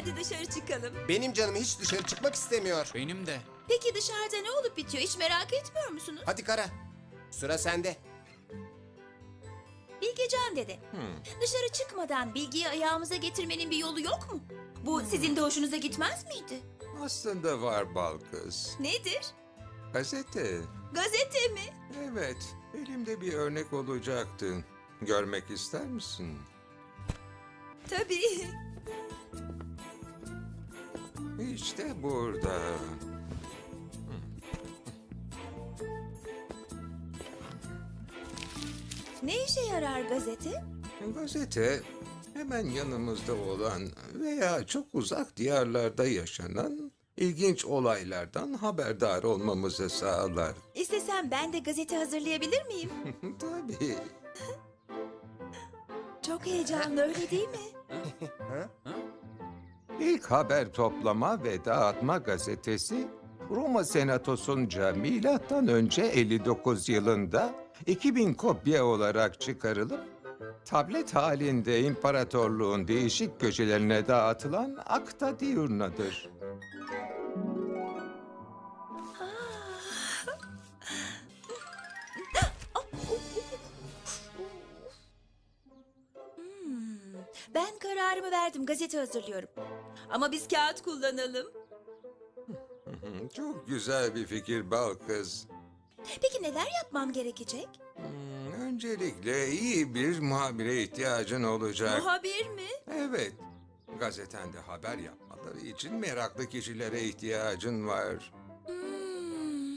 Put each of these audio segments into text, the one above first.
Hadi dışarı çıkalım. Benim canım hiç dışarı çıkmak istemiyor. Benim de. Peki dışarıda ne olup bitiyor? Hiç merak etmiyor musunuz? Hadi Kara, sıra sende. Bilgecan dede. Dışarı çıkmadan bilgiyi ayağımıza getirmenin bir yolu yok mu? Bu sizin de hoşunuza gitmez miydi? Aslında var bal kız. Nedir? Gazete. Gazete mi? Evet, elimde bir örnek olacaktı. Görmek ister misin? Tabii. İşte burada. Ne işe yarar gazete? Gazete hemen yanımızda olan veya çok uzak diyarlarda yaşanan ilginç olaylardan haberdar olmamızı sağlar. İstesem ben de gazete hazırlayabilir miyim? Tabii. Çok heyecanlı öyle değil mi? İlk haber toplama ve dağıtma gazetesi Roma Senatosu'nca milattan önce 59 yılında 2000 kopya olarak çıkarılıp tablet halinde imparatorluğun değişik köşelerine dağıtılan Acta Diurna'dır. Ben kararımı verdim, gazete hazırlıyorum. Ama biz kağıt kullanalım. Çok güzel bir fikir bal kız. Peki neler yapmam gerekecek? Öncelikle iyi bir muhabire ihtiyacın olacak. Muhabir mi? Evet, gazetende haber yapmaları için meraklı kişilere ihtiyacın var. Hmm.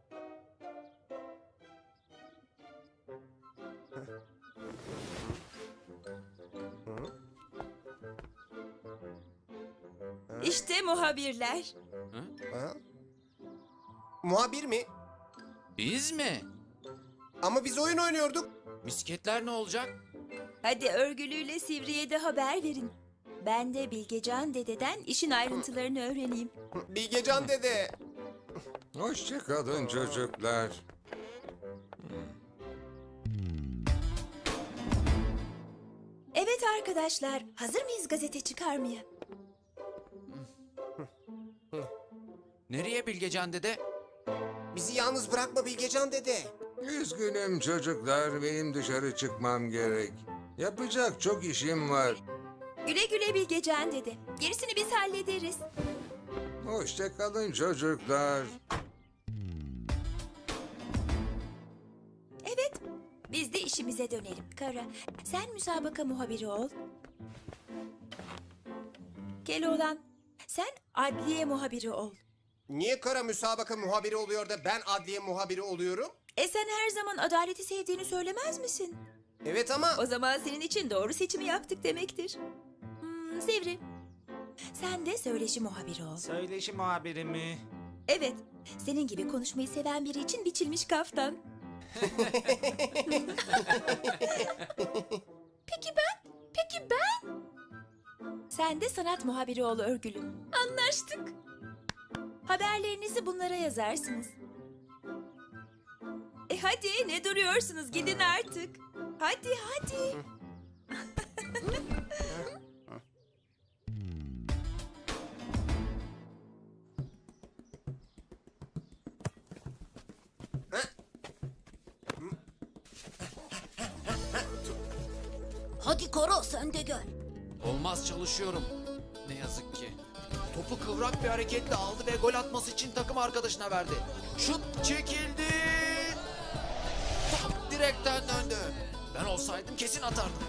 İşte muhabirler. Ha? Muhabir mi? Biz mi? Ama biz oyun oynuyorduk. Misketler ne olacak? Hadi örgülüyle Sivri'ye de haber verin. Ben de Bilgecan dededen işin ayrıntılarını öğreneyim. Bilgecan dede. Hoşça kalın çocuklar. Evet arkadaşlar, hazır mıyız gazete çıkarmaya? Nereye Bilgecan dede? Bizi yalnız bırakma Bilgecan dede. Üzgünüm çocuklar, benim dışarı çıkmam gerek. Yapacak çok işim var. Güle güle Bilgecan dede. Gerisini biz hallederiz. Hoşça kalın çocuklar. Evet, biz de işimize dönelim. Kara, sen müsabaka muhabiri ol. Keloğlan, sen adliye muhabiri ol. Niye Kara müsabaka muhabiri oluyor da ben adliye muhabiri oluyorum? Sen her zaman adaleti sevdiğini söylemez misin? Evet ama... O zaman senin için doğru seçimi yaptık demektir. Sivri, sen de söyleşi muhabiri ol. Söyleşi muhabiri mi? Evet, senin gibi konuşmayı seven biri için biçilmiş kaftan. Peki ben? Peki ben? Sen de sanat muhabiri ol Örgülüm. Anlaştık. Haberlerinizi bunlara yazarsınız. Hadi ne duruyorsunuz, gidin artık. Hadi hadi. Hadi Kara sen de gel. Olmaz, çalışıyorum. Ne yazık ki. Topu kıvrak bir hareketle aldı ve gol atması için takım arkadaşına verdi. Şut çekildi. Top direkten döndü. Ben olsaydım kesin atardım.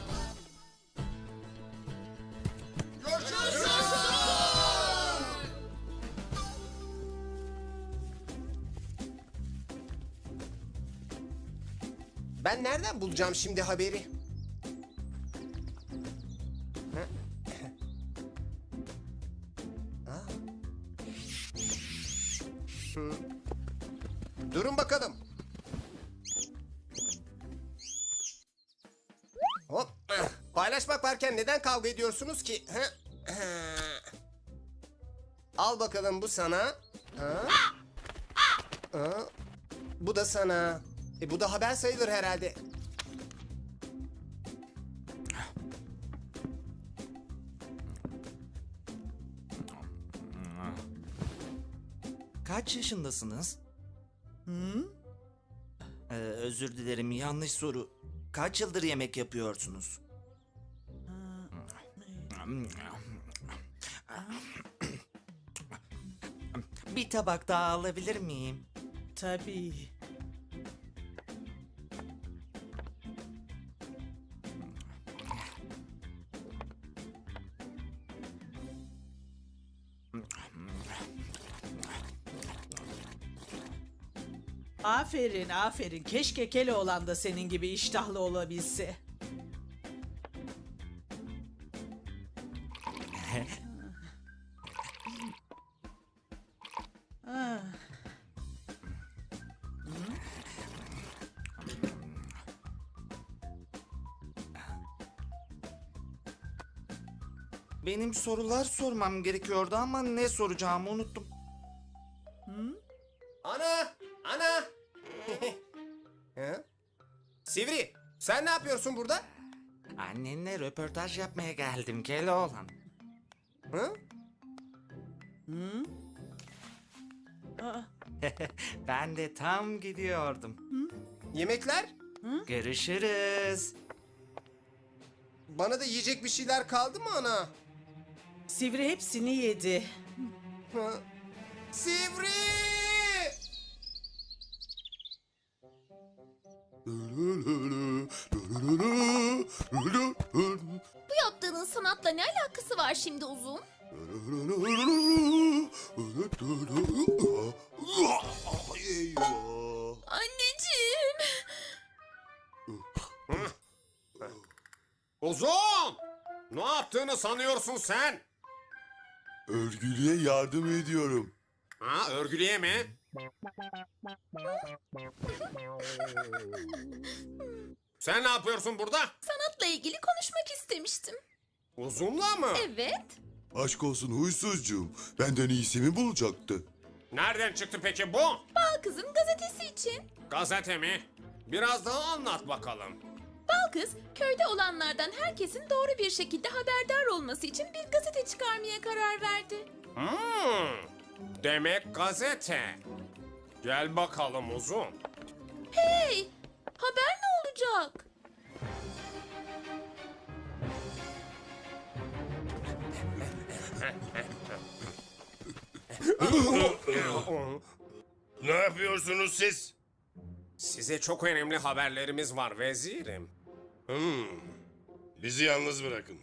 Ben nereden bulacağım şimdi haberi? Durun bakalım. Hop. Paylaşmak varken neden kavga ediyorsunuz ki? Al bakalım, bu sana. Bu da sana. Bu da haber sayılır herhalde. Kaç yaşındasınız? Hı? Özür dilerim, yanlış soru. Kaç yıldır yemek yapıyorsunuz? Bir tabak daha alabilir miyim? Tabii. Aferin, aferin. Keşke Keloğlan da senin gibi iştahlı olabilse. Ah. Benim sorular sormam gerekiyordu ama ne soracağımı unuttum. Ana! Ana! Hı? Sivri, sen ne yapıyorsun burada? Annenle röportaj yapmaya geldim Keloğlan. Hı? Aa, Ben de tam gidiyordum. Yemekler? Görüşürüz. Bana da yiyecek bir şeyler kaldı mı ana? Sivri hepsini yedi. Hı? Sivri! Bu yaptığının sanatla ne alakası var şimdi Uzun? Anneciğim. Uzun! Ne yaptığını sanıyorsun sen? Örgülü'ye yardım ediyorum. Ha, örgülüye mi? Sen ne yapıyorsun burada? Sanatla ilgili konuşmak istemiştim. Uzunla mı? Evet. Aşk olsun huysuzcuğum. Benden iyisi mi bulacaktı? Nereden çıktı peki bu? Bal Kız'ın gazetesi için. Gazete mi? Biraz daha anlat bakalım. Bal Kız, köyde olanlardan herkesin doğru bir şekilde haberdar olması için bir gazete çıkarmaya karar verdi. Demek gazete. Gel bakalım Uzun. Hey, haber ne olacak? Ne yapıyorsunuz siz? Size çok önemli haberlerimiz var vezirim. Bizi yalnız bırakın.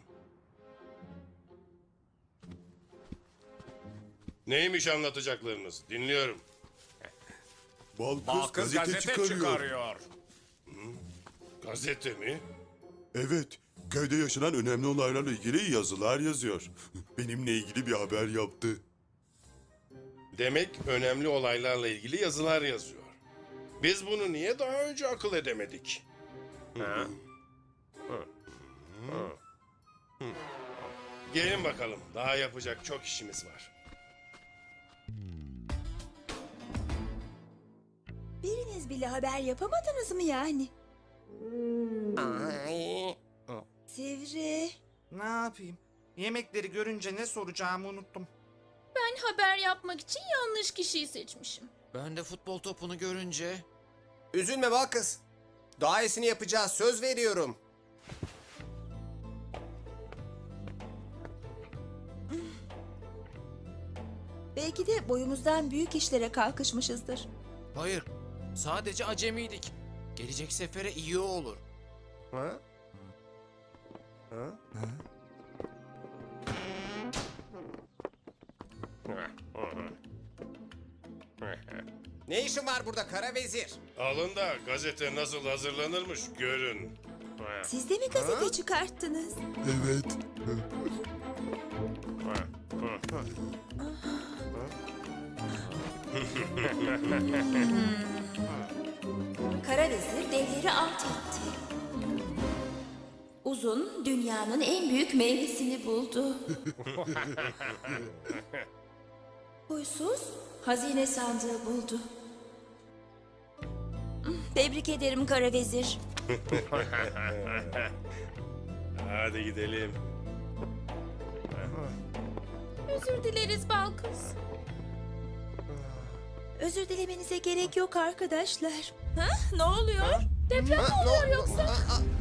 Neymiş anlatacaklarınız? Dinliyorum. Balkız gazete çıkarıyor. Gazete mi? Evet. Köyde yaşanan önemli olaylarla ilgili yazılar yazıyor. Benimle ilgili bir haber yaptı. Demek önemli olaylarla ilgili yazılar yazıyor. Biz bunu niye daha önce akıl edemedik? Ha? Gelin bakalım. Daha yapacak çok işimiz var. Biriniz bile haber yapamadınız mı yani? Ay. Sivri. Ne yapayım? Yemekleri görünce ne soracağımı unuttum. Ben haber yapmak için yanlış kişiyi seçmişim. Ben de futbol topunu görünce... Üzülme Balkız. Daha iyisini yapacağız, söz veriyorum. Belki de boyumuzdan büyük işlere kalkışmışızdır. Hayır, sadece acemiydik. Gelecek sefere iyi olur. Ha? Ha? Ne işin var burada kara vezir? Alın da gazete nasıl hazırlanırmış görün. Siz de mi gazete çıkarttınız? Evet. Kara vezir devleri alt etti. Uzun dünyanın en büyük meyvesini buldu. Huysuz hazine sandığı buldu. Tebrik ederim Kara Vezir. Hadi gidelim. Özür dileriz Bal Kız. Özür dilemenize gerek yok arkadaşlar. Ha? Ne oluyor? Deprem mi oluyor yoksa?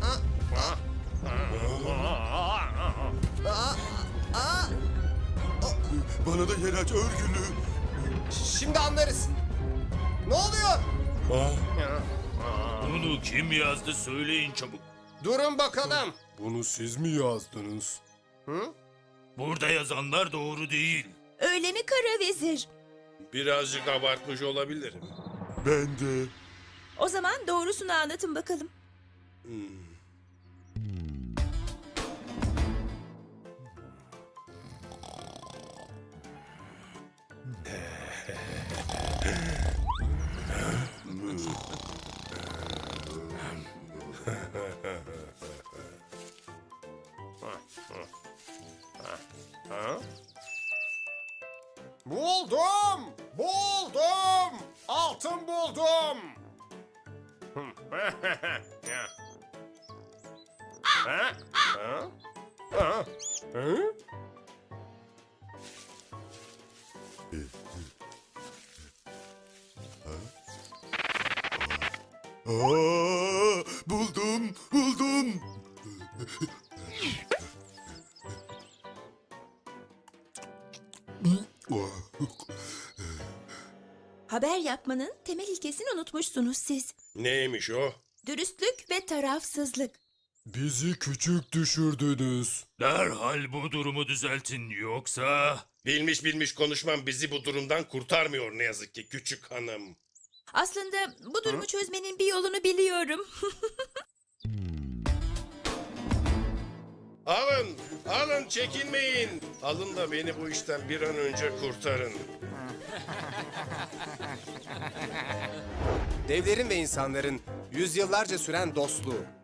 Bana da yer aç örgülü. Şimdi anlarız. Ne oluyor? Bunu kim yazdı söyleyin çabuk. Durun bakalım. Bunu siz mi yazdınız? Hı? Burada yazanlar doğru değil. Öyle mi kara vezir? Birazcık abartmış olabilirim. Ben de. O zaman doğrusunu anlatın bakalım. Buldum! Buldum! Altın buldum! Buldum, buldum. Haber yapmanın temel ilkesini unutmuşsunuz siz. Neymiş o? Dürüstlük ve tarafsızlık. Bizi küçük düşürdünüz. Derhal bu durumu düzeltin yoksa... Bilmiş bilmiş konuşmam bizi bu durumdan kurtarmıyor ne yazık ki küçük hanım. Aslında bu durumu çözmenin bir yolunu biliyorum. Alın, alın çekinmeyin. Alın da beni bu işten bir an önce kurtarın. Devlerin ve insanların yüzyıllarca süren dostluğu,